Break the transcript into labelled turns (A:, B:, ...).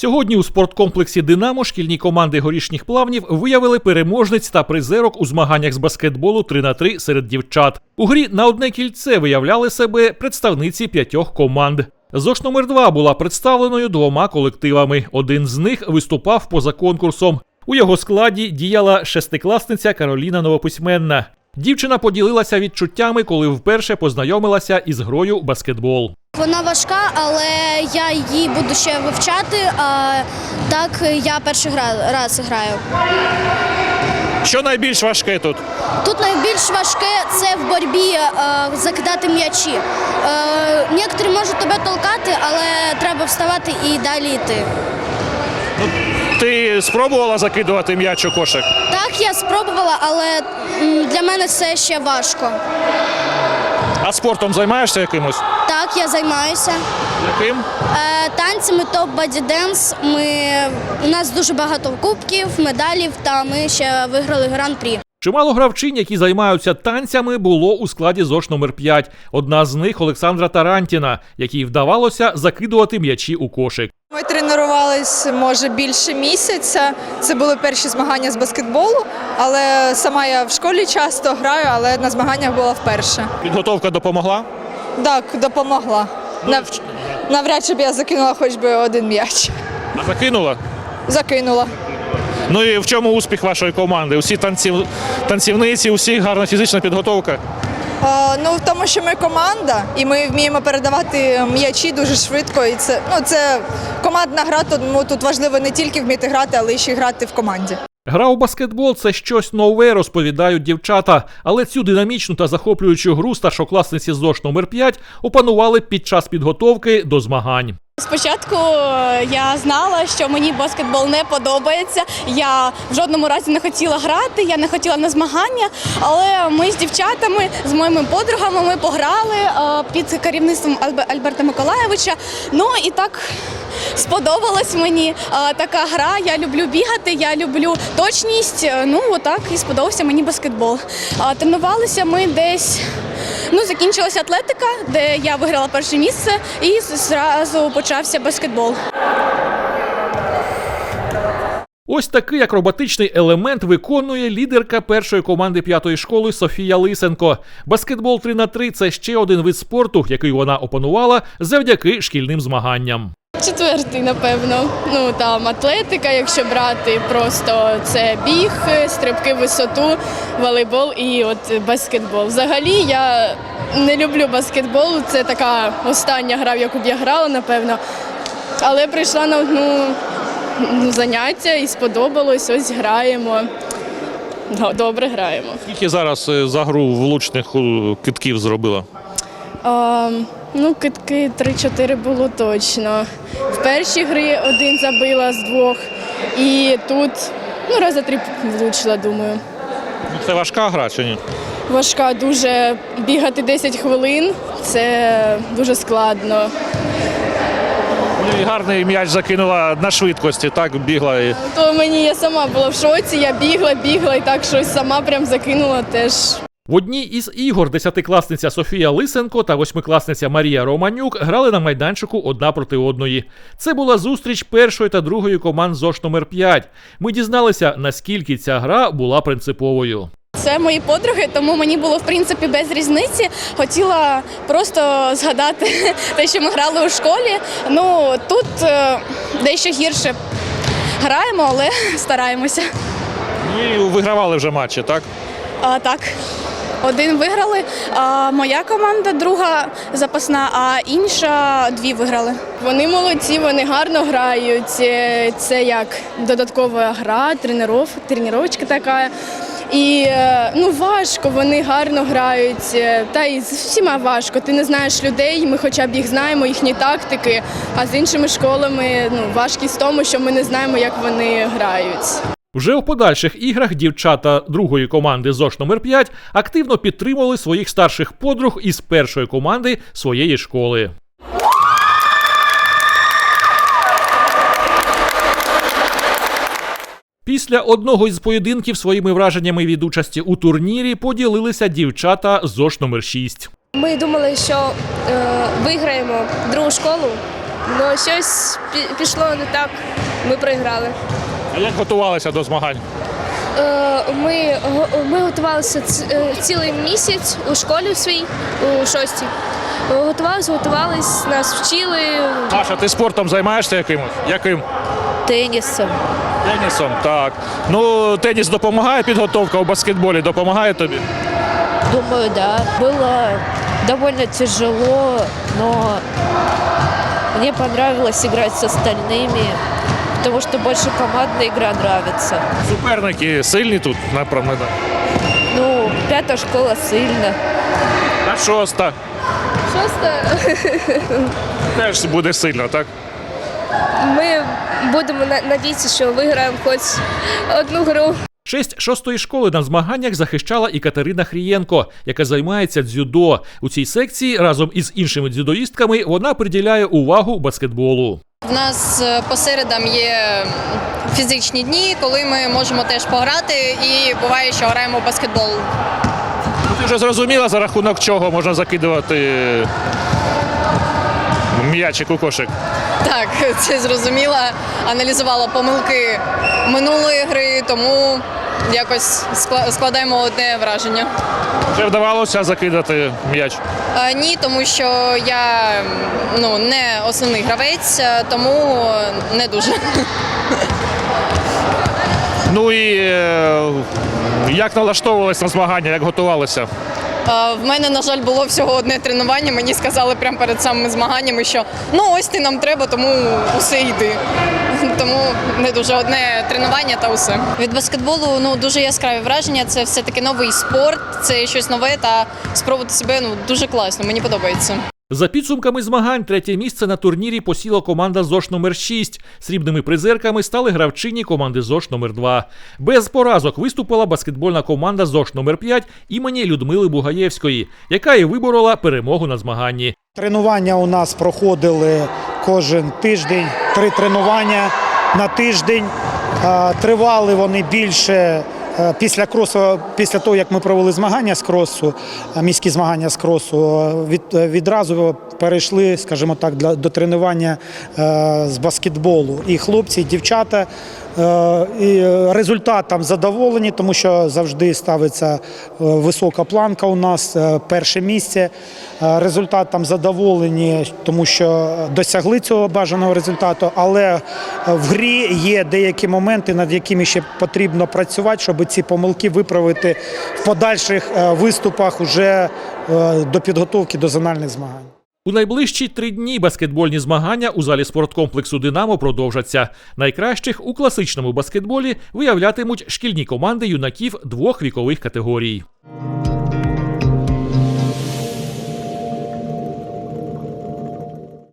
A: Сьогодні у спорткомплексі «Динамо» шкільні команди горішніх плавнів виявили переможниць та призерок у змаганнях з баскетболу 3х3 серед дівчат. У грі на одне кільце виявляли себе представниці 5 команд. ЗОШ номер 2 була представленою 2 колективами. Один з них виступав поза конкурсом. У його складі діяла шестикласниця Кароліна Новописьменна. Дівчина поділилася відчуттями, коли вперше познайомилася із грою баскетбол.
B: Вона важка, але я її буду ще вивчати, а так я перший раз граю.
C: Що найбільш важке тут?
B: Тут найбільш важке – це в боротьбі закидати м'ячі. Некоторі можуть тебе толкати, але треба вставати і далі йти.
C: Ти спробувала закидувати м'яч у кошик?
B: Так, я спробувала, але для мене це ще важко.
C: А спортом займаєшся якимось?
B: Так, я займаюся.
C: Яким?
B: Танцями топ-боді-денс. У нас дуже багато кубків, медалів, та ми ще виграли гран-прі.
A: Чимало гравчинь, які займаються танцями, було у складі ЗОШ номер 5. Одна з них – Олександра Тарантіна, якій вдавалося закидувати м'ячі у кошик.
D: Ми тренувалися, може, більше місяця. Це були перші змагання з баскетболу, але сама я в школі часто граю, але на змаганнях була вперше.
C: Підготовка допомогла?
D: Так, допомогла. Навряд чи б я закинула хоч би один м'яч.
C: А закинула?
D: Закинула.
C: Ну і в чому успіх вашої команди? Усі танцівниці, усі гарна фізична підготовка?
D: В тому, що ми команда, і ми вміємо передавати м'ячі дуже швидко. І це командна гра, тому тут важливо не тільки вміти грати, але й ще грати в команді.
A: Гра у баскетбол – це щось нове, розповідають дівчата. Але цю динамічну та захоплюючу гру старшокласниці ЗОШ номер 5 опанували під час підготовки до змагань.
E: Спочатку я знала, що мені баскетбол не подобається. Я в жодному разі не хотіла грати, я не хотіла на змагання. Але ми з дівчатами, з моїми подругами, ми пограли під керівництвом Альберта Миколайовича. Ну і так сподобалась мені така гра. Я люблю бігати, я люблю точність. Ну отак і сподобався мені баскетбол. Тренувалися ми десь... закінчилася атлетика, де я виграла перше місце, і зразу почався баскетбол.
A: Ось такий акробатичний елемент виконує лідерка першої команди 5-ї школи Софія Лисенко. Баскетбол 3х3 – це ще один вид спорту, який вона опанувала завдяки шкільним змаганням.
E: 4-й, напевно. Там атлетика, якщо брати, просто це біг, стрибки в висоту, волейбол і баскетбол. Взагалі я не люблю баскетбол, це така остання гра, в яку б я грала, напевно. Але прийшла на заняття і сподобалось, ось граємо. Добре граємо.
C: Скільки зараз за гру влучних кидків зробила?
E: Кидки 3-4 було точно. В першій грі один забила з 2, і тут рази 3 влучила, думаю.
C: Це важка гра чи ні?
E: Важка дуже. Бігати 10 хвилин – це дуже складно.
C: І гарний м'яч закинула на швидкості, так бігла.
E: Я сама була в шоці, я бігла і так щось сама прям закинула теж.
A: В одній із ігор 10-класниця Софія Лисенко та 8-класниця Марія Романюк грали на майданчику одна проти одної. Це була зустріч першої та другої команд ЗОШ номер 5. Ми дізналися, наскільки ця гра була принциповою.
E: Це мої подруги, тому мені було, в принципі, без різниці. Хотіла просто згадати те, що ми грали у школі. Тут дещо гірше граємо, але стараємося.
C: І вигравали вже матчі, так?
E: Так. Один виграли, а моя команда, друга запасна, а інша 2 виграли. Вони молодці, вони гарно грають. Це як додаткова гра, тренувачка така. І важко, вони гарно грають, та й з всіма важко. Ти не знаєш людей, ми хоча б їх знаємо, їхні тактики, а з іншими школами важкість в тому, що ми не знаємо, як вони грають.
A: Вже у подальших іграх дівчата другої команди ЗОШ номер 5 активно підтримували своїх старших подруг із першої команди своєї школи. Після одного із поєдинків своїми враженнями від участі у турнірі поділилися дівчата ЗОШ номер 6.
F: Ми думали, що виграємо другу школу, але щось пішло не так, ми програли.
C: А як готувалися до змагань?
F: Ми готувалися цілий місяць у школі своїй, у 6-й. Готувались, нас вчили.
C: Маша, ти спортом займаєшся якимось? Яким?
G: Тенісом.
C: Тенісом, так. Ну, теніс допомагає, підготовка у баскетболі допомагає тобі?
G: Думаю, да. Было довольно тяжело, но мне понравилось играть с остальными, потому что больше командная игра нравится.
C: Суперники сильні тут, напевно.
G: Ну, 5-та школа сильна.
C: А 6-та?
F: 6-та
C: Теж буде сильно, так?
F: ми будемо надіятися, що виграємо хоч одну гру.
A: Честь 6-ї школи на змаганнях захищала і Катерина Хрієнко, яка займається дзюдо. У цій секції разом із іншими дзюдоїстками вона приділяє увагу баскетболу.
H: В нас по середам є фізичні дні, коли ми можемо теж пограти, і буває, що граємо в баскетбол.
C: Ну, ти вже зрозуміла, за рахунок чого можна закидувати м'ячик у кошик?
H: Так, це зрозуміла, аналізувала помилки минулої гри, тому якось складаємо одне враження.
C: Вже вдавалося закидати м'яч?
H: Ні, тому що я не основний гравець, тому не дуже.
C: Ну і як налаштовувалися на змагання, як готувалися?
H: В мене, на жаль, було всього одне тренування. Мені сказали прямо перед самими змаганнями, що ось ти нам треба, тому усе йди. Тому не дуже одне тренування та усе. Від баскетболу дуже яскраві враження. Це все-таки новий спорт, це щось нове та спробувати себе дуже класно. Мені подобається.
A: За підсумками змагань, 3-є місце на турнірі посіла команда ЗОШ номер 6. Срібними призерками стали гравчині команди ЗОШ номер 2. Без поразок виступила баскетбольна команда ЗОШ номер 5 імені Людмили Бугаєвської, яка і виборола перемогу на змаганні.
I: Тренування у нас проходили кожен тиждень, 3 тренування на тиждень. Тривали вони більше після кросу, після того, як ми провели змагання з кросу, міські змагання з кросу, відразу перейшли, скажімо так, до тренування з баскетболу. І хлопці, і дівчата, і результатом задоволені, тому що завжди ставиться висока планка у нас, перше місце. Результатом задоволені, тому що досягли цього бажаного результату, але в грі є деякі моменти, над якими ще потрібно працювати, щоб ці помилки виправити в подальших виступах уже до підготовки до зональних змагань.
A: У найближчі 3 дні баскетбольні змагання у залі спорткомплексу «Динамо» продовжаться. Найкращих у класичному баскетболі виявлятимуть шкільні команди юнаків 2 вікових категорій.